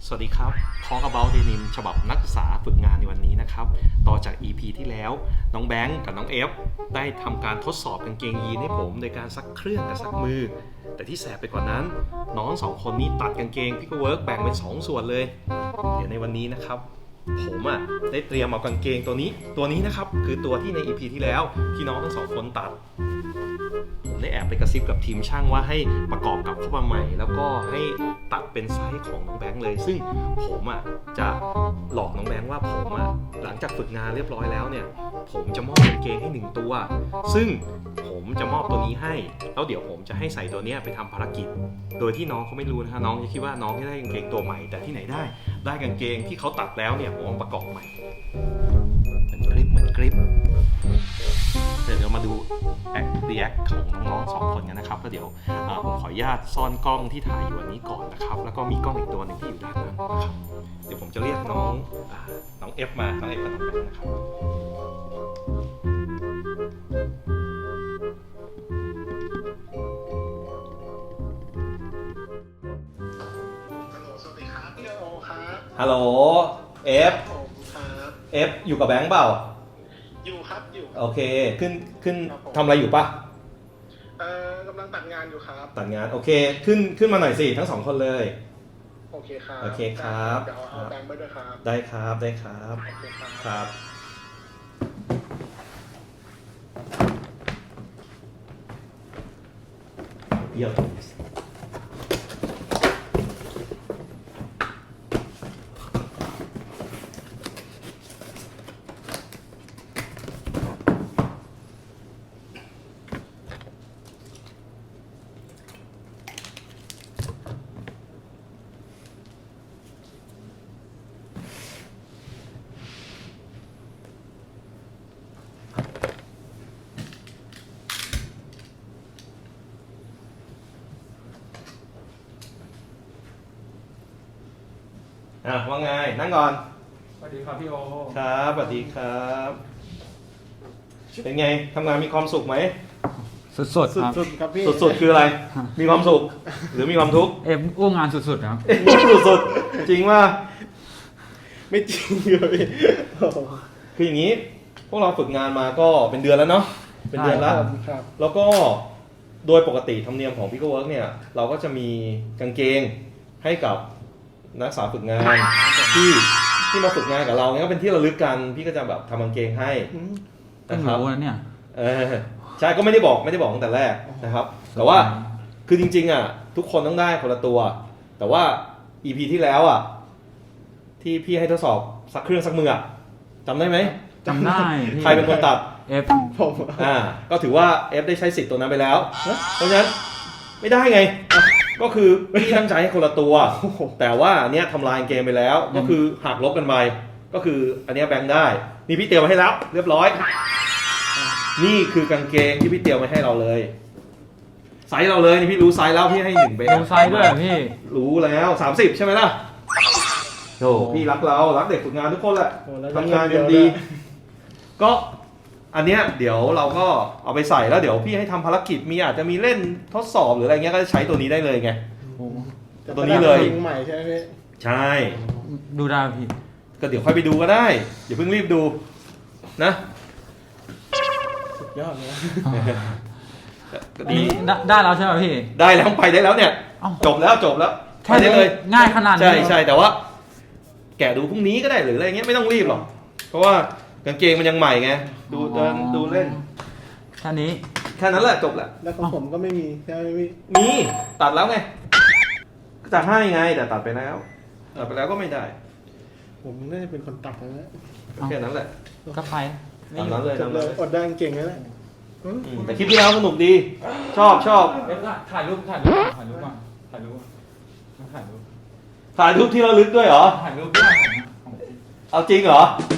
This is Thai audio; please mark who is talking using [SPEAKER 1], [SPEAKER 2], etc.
[SPEAKER 1] สวัสดีครับ Talk About Denim ฉบับนักศึกษาฝึกงานในวันนี้นะครับต่อจาก EP ที่แล้วน้องแบงค์กับน้องเอฟได้ทำการทดสอบกางเกงยีนให้ผมโดยการซักเครื่องกับซักมือแต่ที่แสบไปกว่านั้นน้องสองคนนี้ตัดกางเกงพิกเวิร์กแบ่งเป็น2ส่วนเลยเดี๋ยวในวันนี้นะครับผมได้เตรียมเอากางเกงตัวนี้นะครับคือตัวที่ใน EP ที่แล้วที่น้องทั้งสองคนตัดผมได้แอบไปกระซิบกับทีมช่างว่าให้ประกอบกับเข้ามาใหม่แล้วก็ให้ตัดเป็นไซส์ของน้องแบงค์เลยซึ่งผมจะหลอกน้องแบงค์ว่าผมหลังจากฝึกงานเรียบร้อยแล้วเนี่ยผมจะมอบกางเกงให้1ตัวซึ่งผมจะมอบตัวนี้ให้แล้วเดี๋ยวผมจะให้ใส่ตัวนี้ไปทำภารกิจโดยที่น้องเขาไม่รู้นะคะน้องจะคิดว่าน้องจะได้กางเกงตัวใหม่แต่ที่ไหนได้กางเกงที่เขาตัดแล้วเนี่ยผมประกอบใหม่เหมือนกริปเดี๋ยวมาดูรีแอคของน้องๆ2คนกันนะครับแล้วเดี๋ยวผมขออนุญาตซ่อนกล้องที่ถ่ายอยู่อันนี้ก่อนนะครับแล้วก็มีกล้องอีกตัวหนึ่งที่อยู่ด้านนั้นนะครับเดี๋ยวผมจะเรียกน้องเอฟมาน้องเอฟกับน้องแบงค์นะครับ
[SPEAKER 2] สวัสดีครับพี่โอครับ
[SPEAKER 1] ฮัลโหลเอฟอยู่กับแบงค์เปล่า
[SPEAKER 2] อยู่ครับอยู่
[SPEAKER 1] โอเคขึ้นทำอะไรอยู่ปะ
[SPEAKER 2] กำลังตัดงานอยู่ครับ
[SPEAKER 1] ตัดงานโอเคขึ้นมาหน่อยสิทั้ง2คนเลย
[SPEAKER 2] โอเคครับ
[SPEAKER 1] โอเคครับ
[SPEAKER 2] เดี๋ยวเอาแบงค์ไปด้วยครับ
[SPEAKER 1] ได้ครับ
[SPEAKER 2] โอเค
[SPEAKER 1] ครับเยี่ยมว่าไงนั่งก่อน
[SPEAKER 3] สวัสดีครับพี่โอ
[SPEAKER 1] ครับสวัสดีครับเป็นไงทำงานมีความสุขไหม
[SPEAKER 3] สุดๆครับ
[SPEAKER 2] ครับพี่
[SPEAKER 1] สุดคืออะไรมีความสุขหรือมีความทุกข์
[SPEAKER 3] อ้วงงานสุดๆครับ
[SPEAKER 1] สุดจริงว่า
[SPEAKER 2] ไม่จริงเลย
[SPEAKER 1] คืออย่างนี้พวกเราฝึกงานมาก็เป็นเดือนแล้วเนาะเป็นเดือนแล้วแล้วก็โดยปกติธรรมเนียมของพิกเวิร์กเนี่ยเราก็จะมีกางเกงให้กับนักศึกษาฝึกงานที่มาฝึกงานกับเราเนี่ยก็เป็นที่ระลึกกันพี่ก็จะแบบทำกางเกงให้
[SPEAKER 3] นะครับเนี่ย
[SPEAKER 1] ใช่ก็ไม่ได้บอกตั้งแต่แรกนะครับแต่ว่าคือจริงๆทุกคนต้องได้คนละตัวแต่ว่า EP ที่แล้วที่พี่ให้ทดสอบซักเครื่องซักมือจำได้ไหม
[SPEAKER 3] จำได้
[SPEAKER 1] ใครเป็นคนตัด
[SPEAKER 2] ผม
[SPEAKER 1] ก็ถือว่า F ได้ใช้สิทธิ์ตัวนั้นไปแล้วเพราะฉะนั้นไม่ได้ไงก็คือพี่ตั้งใจให้คนละตัวแต่ว่าอันเนี้ยทำลายเกมไปแล้วก็คือหักลบกันไปก็คืออันเนี้ยแบงค์ได้นี่พี่เตรียมมาให้แล้วเรียบร้อยนี่คือกางเกงที่พี่เตรียมมาให้เราเลยไซส์เราเลยนี่พี่รู้ไซส์แล้วพี่ให้1เบส
[SPEAKER 3] รู้ไซส์ด้วยพี่
[SPEAKER 1] รู้แล้ว30ใช่ไหมล่ะโธ่พี่รักเด็กฝึกงานทุกคนแหละทำงานกันดีก็อันเนี้ยเดี๋ยวเราก็เอาไปใส่แล้วเดี๋ยวพี่ให้ทำภารกิจอาจจะมีเล่นทดสอบหรืออะไรเงี้ยก็จะใช้ตัวนี้ได้เลยไงตัวนี้เลย
[SPEAKER 2] ใหม่ใช่ไหมพี่
[SPEAKER 1] ใช่
[SPEAKER 3] ดูได้พี่
[SPEAKER 1] ก็เดี๋ยวค่อยไปดูก็ได้อย่าเพิ่งรีบดูนะ
[SPEAKER 2] สุดยอดเลย
[SPEAKER 3] ดีได้แล้วใช่ไหมพี่
[SPEAKER 1] ได้แล้วไปได้แล้วเนี่ยจบแล้ว
[SPEAKER 3] แค่นี้เลยง่ายขนาดนี้
[SPEAKER 1] ใช่แต่ว่าแกะดูพรุ่งนี้ก็ได้หรืออะไรเงี้ยไม่ต้องรีบหรอกเพราะว่ากางเกงมันยังใหม่ไงดูเดินดูเล่น
[SPEAKER 3] แค่นี้
[SPEAKER 1] แค่นั้นแหละจบแหละ
[SPEAKER 2] แล้วของผมก็ไม่มีใช่ไหมพี่
[SPEAKER 1] มีตัดแล้วไงจะให้ไงแต่ตัดไปแล้วก็ไม่ได้
[SPEAKER 2] ผมน่าจะเป็นคนตัดแล้ว
[SPEAKER 1] แค่นั้นแหละ
[SPEAKER 3] ก็ไป
[SPEAKER 1] ตามนั้นเลย
[SPEAKER 2] อดได้เก่งแล้วแหละ
[SPEAKER 1] แต่คลิปที่แล้วสนุกดีชอบ
[SPEAKER 3] ถ่ายรูปก่อนถ่ายรูป
[SPEAKER 1] ที่ระลึกด้วยเหรอ
[SPEAKER 3] ถ่ายรูปด้วย
[SPEAKER 1] เอาจริงเหรอ